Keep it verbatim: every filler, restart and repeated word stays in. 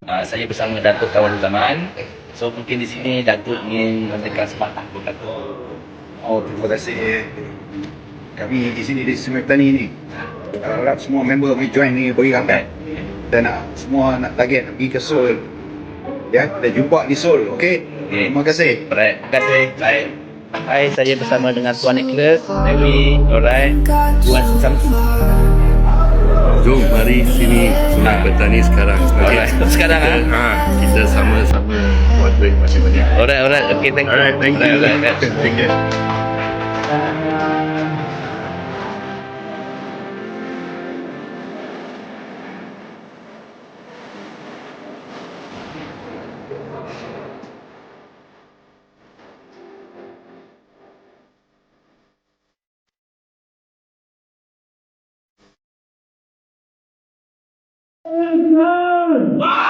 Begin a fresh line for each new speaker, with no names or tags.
uh, saya bersama Datuk Kawan Zaman. So mungkin di sini Datuk ingin memberikan sepatah kata.
Oh, terima kasih. Kami di sini di Sungai Petani ni, harap semua member boleh join ni, beri ramai. Dan nak semua nak target nak pergi ke Seoul. Ya, kita jumpa di Seoul, okey?
Okay.
Terima kasih.
Alright, terima kasih. Baik. Hai, saya bersama dengan Tuan Nicholas, Dewi, alright, Tuan Samsul.
Jom mari sini Sungai Petani sekarang.
Alright, sekarang
kita,
ah.
ha, kita sama-sama buat duit masih banyak.
Alright, alright. Okay, thank you.
Alright, thank you.
Alright, alright.
Thank you.
Wow!